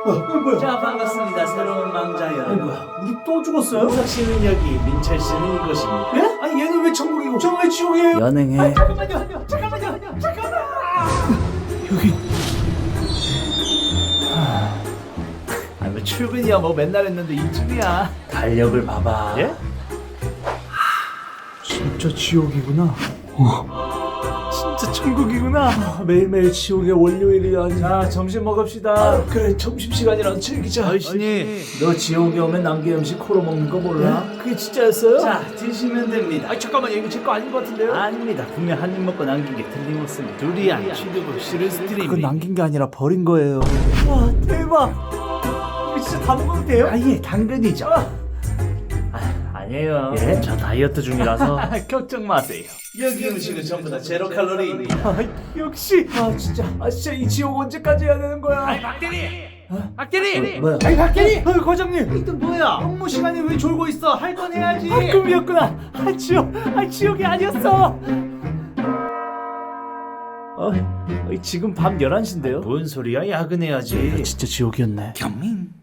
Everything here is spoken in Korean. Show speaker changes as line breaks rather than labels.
뭐야?
자, 반갑습니다. 새로운 망자 여러분.
뭐야? 우리 또 죽었어요?
우석 씨는 여기, 민철 씨는 이곳입니다.
예? 아니 얘는 왜 천국이고 저는 왜 지옥이에요?
연행해.
잠깐만요. 여기
아, 뭐 출근이야 뭐 맨날 했는데 이쯤이야. 달력을 봐봐. 예?
진짜 지옥이구나.
진짜 천국이구나.
매일매일 지옥의 월요일이라니.
자, 점심 먹읍시다.
그래 점심시간이랑 즐기자.
아이씨니.
너 지옥에 오면 남긴 음식 코로 먹는 거 몰라?
예?
그게 진짜였어요?
자, 드시면 됩니다.
아니 잠깐만요, 이거 제 거 아닌 것 같은데요?
아닙니다. 분명 한 입 먹고 남긴 게 틀림없습니다. 두리안, 취두부, 시르스트림.
그건 남긴 게 아니라 버린 거예요. 와 대박. 이거 진짜 다 먹어도 돼요?
아예 당근이죠. 아니에요.
예?
저 다이어트 중이라서 걱정 마세요. 여기 음식은 전부 다 제로 칼로리입니다.
아, 역시. 진짜 이 지옥 언제까지 해야 되는 거야?
박대리!
뭐야?
아니 박대리!
과장님.
이또 뭐야? 업무 시간에 왜 졸고 있어? 할 건 해야지.
꿈이었구나. 지옥이 아니었어.
지금 밤 11시인데요? 뭔 소리야? 야근해야지.
진짜 지옥이었네.
경민.